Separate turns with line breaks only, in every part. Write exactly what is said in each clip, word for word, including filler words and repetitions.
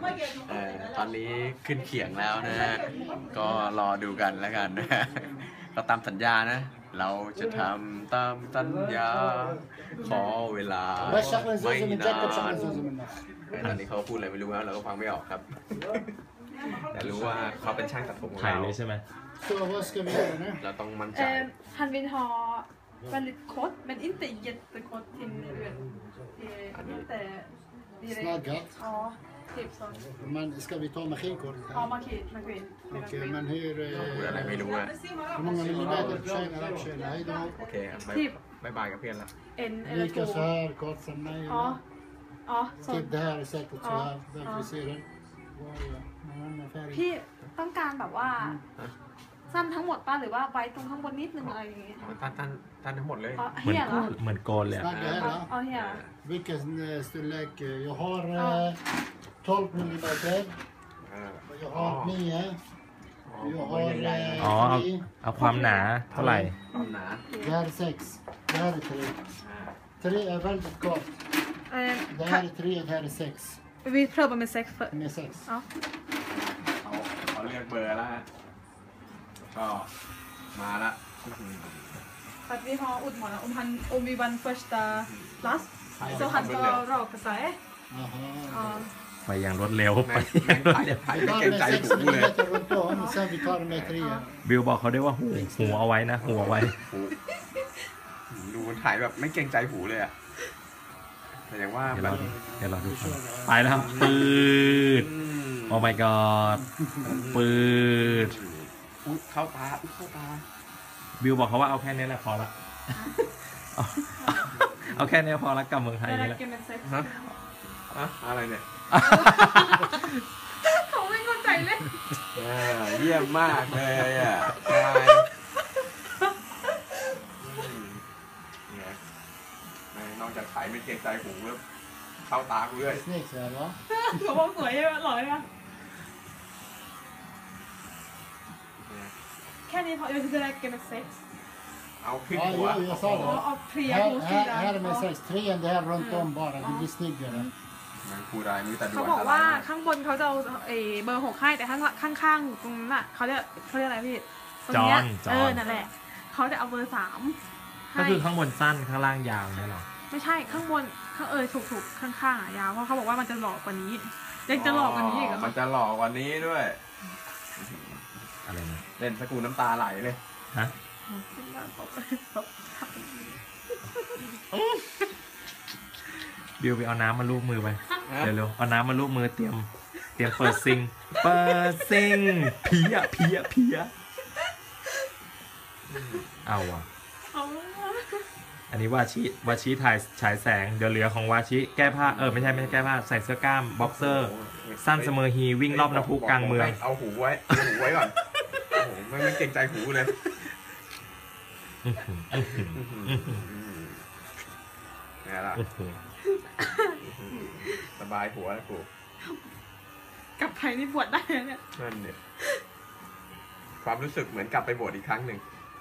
เอ่อตอนนี้ขึ้นเขียงแล้วนะฮะก็รอดูกันแล้วกันนะเราตามสัญญานะเราจะทำตามสัญญาขอเวลาไม่นานตอนนี้เขาพูดอะไรไม่รู้นะเราก็ฟังไม่ออกครับแต่รู้ว่าเขาเป็นช่างตัดผมของ
ถ่าย
เรา
เลยใช่ไหม
เราต้องมั่นใจ
Han vill ha väldigt kort men inte jättekort till över. Inte direkt. Ja, typ så.
Men ska vi ta maskinkort?
Ja, maskin, maskin.
Okej, men hur...
พูดอะไรไม่รู้อะ
Hur många millimeter tjänar han? Tjänar hej då.
โอเคบายบายกับเพื่อนละ
En eller
Lika så
två.
här, kort som mig.
Ja. Ja, så.
Typ det här är säkert så
Ja.
här. Där
Ja.
vi ser den. Var är jag? Någon annan färg.
พี่ต้องการแบบว่าสั้นทั้งหมดป่ะหรือว่าไว้ตรงข้างบนนิดนึงอะไรอย่างเงี้ย
ตันตันตันทั้งหมดเลย
อ๋อ
เหมือน
เฮียเหรอ
เหมือนโกนเลยอะ
Snacka här
อ๋อ
då.
เฮีย
Vilken eh, storlek? Jag har
Ja.
eh, tolv millimeter.
อ่า
Jag har nio. Jag har
อ๋อ
eh,
เอา
tre.
เอาความหนาเท่าไหร่
ความหนา
Det här är sex. Det här är tre. Tre är väldigt gott.
เอ่อ
Det här är tre, det här är sex.
vi prövar med sex för
Med sex.
ja
เขาเขาเลือกเบอร์แล้วฮะก็มาละ
att vi har utmanat om han om vi vann första plats så han ska raka sig
Jaha.
ja
ไปอย่างรวดเร็วไป
แม่งถ่ายถ่าย
Vi
ไม่
tar
เกรง
med
ใจ
sex
หูเลย
millimeter runt om och sen vi tar med tre.
บิวบอกเขาได้ว่าหูหูเอาไว้นะหูเอาไว้
หูดูมันถ่ายแบบไม่เกรงใจหูเลยอะแต่อย่างว่า
เดี๋ยว
แบ
ร
บ
อดูเดี๋ยวรอดูก่อนไปแล้วครับปืด
อืม
โอ้ my god ปืด
อุ๊ยเข้าตาอุ๊ยเข้าตา
บิวบอกเขาว่าเอาแค่นี้แหละพอละเอาเอาแค่นี้พอละกับเมืองไทย
det
นี่แหละ
räcker med sex
ฮะอะอะไรเนี่ย
เขาไม่เข้าใจเลย
อ่าเยี่ยมมากเลยอ่ะใช่เนี่ยแม่งนอกจากถ่ายไม่เกรงใจหูแล้วเข้าตากูด้วย
Snyggt så här va?
เขาบอกสวยใช่ไหมหล่อใช่ไหมแค่นี้พอ jag tycker det räcker med sex
เอาขึ้น
Ja,
หัว
jo, jag sa
อ๋อ
det.
เอาเพลีย
Här,
หูสี
här,
ดำ
här är med sex. Trean, det här runt om bara. Det blir snyggare.
มันพูดอะไรมือแต่ดู
เขา
อัน
บอก
ตรา
ว่าย ข้างบนเขาจะเอาเออเบอร์หกให้แต่ข้างข้างข้างๆตรงนั้นอ่ะเขาเรียกเขาเรียกอะไรพี่ตรงเนี้ย
จอนจอน
เออนั่นแหละเขาจะเอาเบอร์สาม
ก็
ให้
คือข้างบนสั้นข้างล่างยาวเนี่ยหรอ
ไม่ใช่ข้างบนข้างเออถูกถูกข้างข้างๆอ่ะยาวเพราะเขาบอกว่ามันจะหลอกกว่านี้ยังจะหลอกกว่านี้อีกเหรอ
มันจะหลอกกว่านี้ด้วย
อะไรนะ
เล่นสกูน้ำตาไหลเลย
ฮะบิวไปเอาน้ำมาลูบมือไปเร็วๆเอาน้ำมาลูบมือเตรียมเตรียมเปิดซิงเปิดซิงเพี้ยเพี้ยเพี้ยเอาอ่ะ
เอา
อันนี้วาชิวาชิถ่ายฉายแสงเดี๋ยวเหลือของวาชิแก้ผ้าเออไม่ใช่ไม่ใช่แก้ผ้าใส่เสื้อกล้ามบ็อกเซอร์ สั้นเสมอฮีวิ่งรอบน้ำพุกลางเมือง
เอาหูไว้เอาหูไว้ก่อนโอ้โหไม่ไม่เกรงใจหูเลยนี่ละสบายหัวแล้วกู
กลับไทยนี่บวชได้แล้วเนี่ย
นั่นเนี่ยความรู้สึกเหมือนกลับไปบวชอีกครั้งหนึ่ง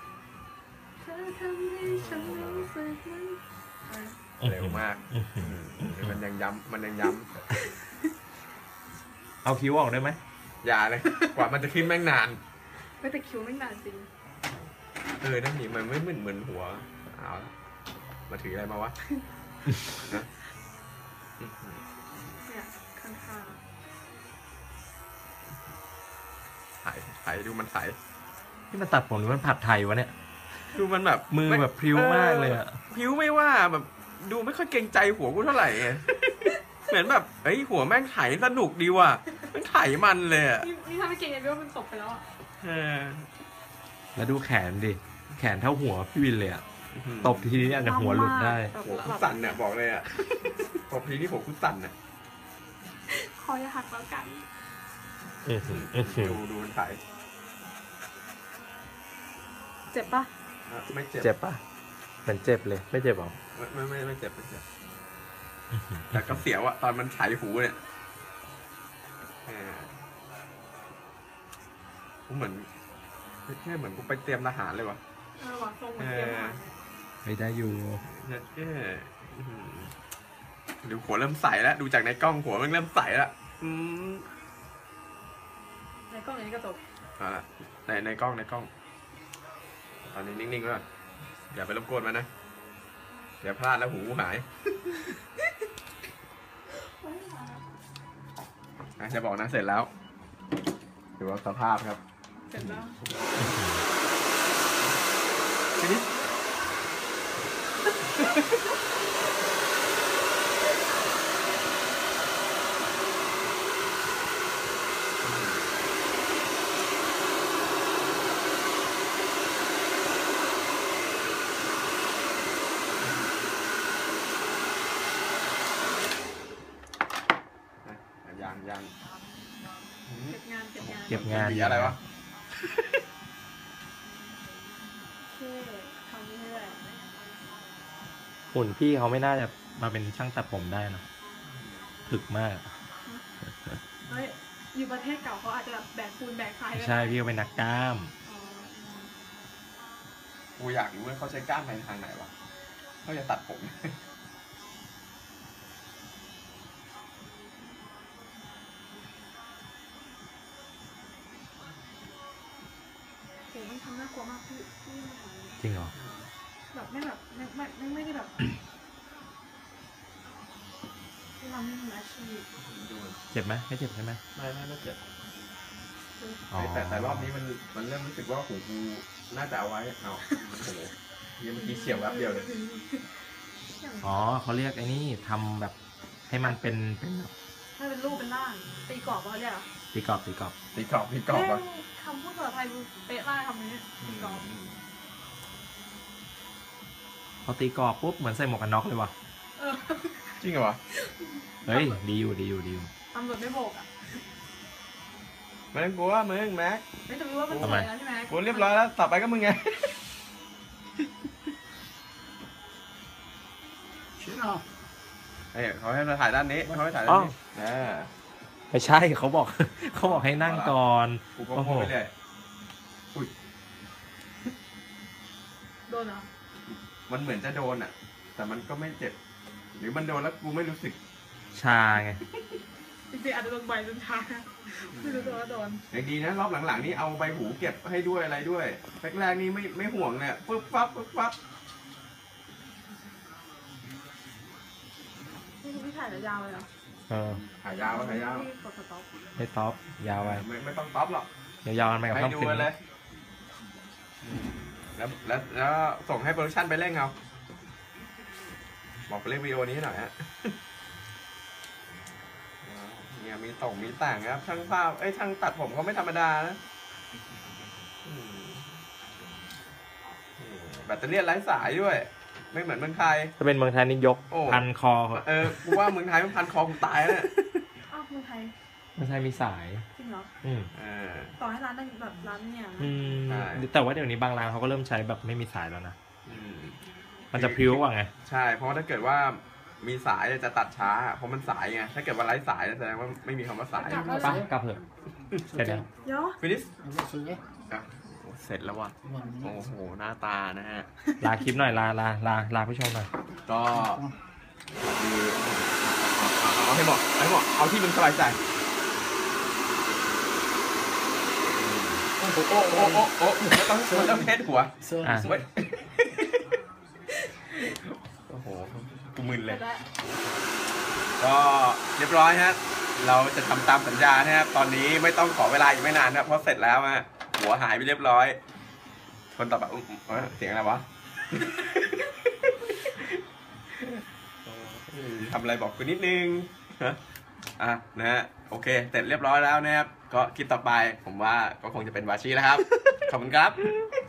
เร็วมากมันยังย้ำมันยังย้
เอาคิ้วออกได้ไหม
ำอย่าเลยกว่ามันจะขึ้นแม่งนาน
ไม่แต่คิวไม่นานจริง
เออนั่นนี่มันไม่เหมือนเหมือนหัวเอาละมาถืออะไรมาวะ
เนี่ยข้าง
ถ่ายถ่ายดูมันถ่าย
ที่มันตัดผมหรือมันผัดไทยวะเนี่ย
ดูมันแบบ
มือแบบพริ้วมากเลยอะ
พริ้วไม่ว่าแบบดูไม่ค่อยเกรงใจหัวกูเท่าไหร่ไง เหมือนแบบเฮ้ยหัวแม่งไถสนุกดีว่ะแม่งไถมันเลยอ่ะ
ๆนี่นี่ถ้าไม่เก่งเนี่ยว่ามันตกไปแล้วอ่ะ
เออ
แล้วดูแขนดิแขนเท่าหัวพี่วินเลยอะตบทีนี้อาจจะหัวหลุดได้
หัวคุณสั่นเนี่ยบอกเลยอ่ะตบทีนี่หัวคุณสั่นอ่ะ
คอจะหักแล้วกัน
ดูดูมันไถ
เจ็บปะ
ไม่เจ็บ
เจ็บปะเหมือนเจ็บเลยไม่เจ็บหรอ
ไม่ไม่ไม่เจ็บไม่เจ็บแต่ก็เสียวอะตอนมันไถหูเนี่ยกูเหมือนแค่เหมือนกูไปเตรียมทหารเลยวะ
เออว่ะทรงเหมือนเตรียมมา
ไม่ได้อยู่
แค่ดูหัวเริ่มใสแล้วดูจากในกล้องหัวมันเริ่มใสแล้วอืม
ในกล้องนี้กระจก
เอาละในในกล้องในกล้อง ตอนนี้นิ่งๆไว้ก่อนอย่าไปรบกวนมันนะ เดี๋ยวพลาดแล้วหูหายอ่ะจะบอกนะเสร็จแล้วดูว่าสภาพครับ
เสร็จแล้ว
ทีนี้ยังยัง
เก็บงานเก็บงาน
เก็บงาน
มีอะไรวะ
โอเคทำเรื่อย
หุ่นพี่เขาไม่น่าจะมาเป็นช่างตัดผมได้นะถึกมาก
เฮ้ยอยู่ประเทศเก่าเขาอาจจะแบบแบกปูนแบกทรายด้วย
ใช่พี่เขาเป็นนักกล้าม
อ๋อ
กูอยากรู้ว่าเขาใช้ก้านไปทางไหนวะเขาจะตัดผม
โหมันทำน่ากลัวมากพี่พี่มาทำ
จริงเหรอ
แบบไม่แบบไม่ไม่ไม่ไม่ได้แบบที่เราไม่มืออาชีพ
เจ็บไหมไม่เจ็บใช่ไหม
ไม่ไม่ไม่เจ็บ
อ๋อ
แต่แต่รอบนี้มันมันเริ่มรู้สึกว่าหูกูน่าจะเอาไว้เอาโอ้โหเมื่อกี้เฉียวแวบเดียวเลย
อ๋อเขาเรียกไอ้นี่ทำแบบให้มันเป็นเป็นแบบ
ถ้าเป็นรูปเป็นร่างตีกรอบเขาเรียกเหรอ
ตีกรอบตีกรอบ
ตีกรอบตีกรอบวะ
เอ้ยคำพูดภาษาไทยดูเป๊ะมากคำนี้ตีกรอบ
พอตีกรอบปุ๊บเหมือนใส่หมวกกันน็อกเลยว่ะ
เออ
จริงเหรอวะ
เฮ้ยดีอยู่ดีอยู่ดีอยู่
ตำรวจไม่โบกอ่ะ
มึงกูว่ามึงแม็ก
ไม่จะรู้ว่ามันสวยแล้วใช่ไหม
กูเรียบร้อยแล้วต่อไปก็มึงไง
Tjena!
เฮ้ยเขาให้เราถ่ายด้านนี้เขาให้ถ่ายด้านนี้อ่า
ไม่ใช่เขาบอก เขาบอกให้นั่งก่อน
กูก็พูดไปเรื่อย
โดนเหรอ
มันเหมือนจะโดนอ่ะ แต่มันก็ไม่เจ็บ หรือมันโดนแล้วกูไม่รู้สึก
ชาไง
จริงๆอาจจะโดนใบจนชาไม่รู้ตัวว่าโดน
อย่างดีนะรอบหลังๆนี่เอาใบหูเก็บให้ด้วยอะไรด้วยแรกๆนี่ไม่ไม่ห่วงเนี่ยปึ๊บปั๊บปึ๊บปั๊บ
นี่คือพี่ถ่ายยาวเลยเหรอ
เออ
ถ่ายยาวถ่ายยาว
พี่กดสต็อป
ไม่ท็อปยาวไป
ไม่ไม่ต้องต๊อปหรอก
เดี๋ยวยาวกันไปกับ
ให้
ข้าม
ดู
คืน
กันเลย แล้วแล้วแล้วส่งให้โปรดักชั่นไปเร่งเอาบอกไปเร่งวิดีโอนี้หน่อยฮะเนี่ยมีต่งมีต่างครับช่างภาพเอ้ยช่างตัดผมเขาไม่ธรรมดานะอืมแบตเตอรี่ไร้สายด้วย ไม่เหมือนเมืองไทย
ถ้าเป็นเมืองไทยนี่ยก
โอ้
พันคอ
เออกูว่าเมืองไทยมันพันคอกูตายแล้วเนี่ย
อ้าวเมืองไทย
เมืองไทยมีสาย
จริงเหรอ
อืม
เออ
ต่อให้ร้านนั้นแบบร้านเนี่ยนะ
อืม
ใช่
แต่ว่าเดี๋ยวนี้บางร้านเขาก็เริ่มใช้แบบไม่มีสายแล้วนะ
อืม
มันจะพริ้วกว่าไง
ใช่ เพราะว่าถ้าเกิดว่ามีสายจะตัดช้า เพราะมันสายไง ถ้าเกิดว่าไร้สายแสดงว่าไม่มีคำว่าสาย
ไปกลับเถอะเสร็จแล้ว
เดี๋ยว
ฟินิส
Vad säger du?
อ่ะโอ้เสร็จแล้วว่ะ
One
โอ้
minute.
โห หน้าตานะฮะ
ลาคลิปหน่อยลาลาลาลาผู้ชมหน่อย
ก็คือเอาให้เหมาะเอาให้เหมาะเอาที่มึงสบายใจโอ้โหโอ้โหโอ้โหโอ้โหมันต้องมันต้องเทสหัว
Så,
อ่ะ
เว้ยโอ้โหกูมึน
เส
เล
ร็
ย
จแล้ว
ก็เรียบร้อยฮะ เราจะทำตามสัญญานะครับ ตอนนี้ไม่ต้องขอเวลาอีกไม่นานนะเพราะเสร็จแล้วฮะ หัวหายไปเรียบร้อย คนต่อไปอุ๊ยเอ้ยเสียงอะไรวะ ทำอะไรบอกกูนิดนึงฮะอ่ะนะฮะ โอเค เสร็จเรียบร้อยแล้วนะครับ ก็คลิปต่อไปผมว่าก็คงจะเป็นวาชีแล้วครับ ขอบคุณครับ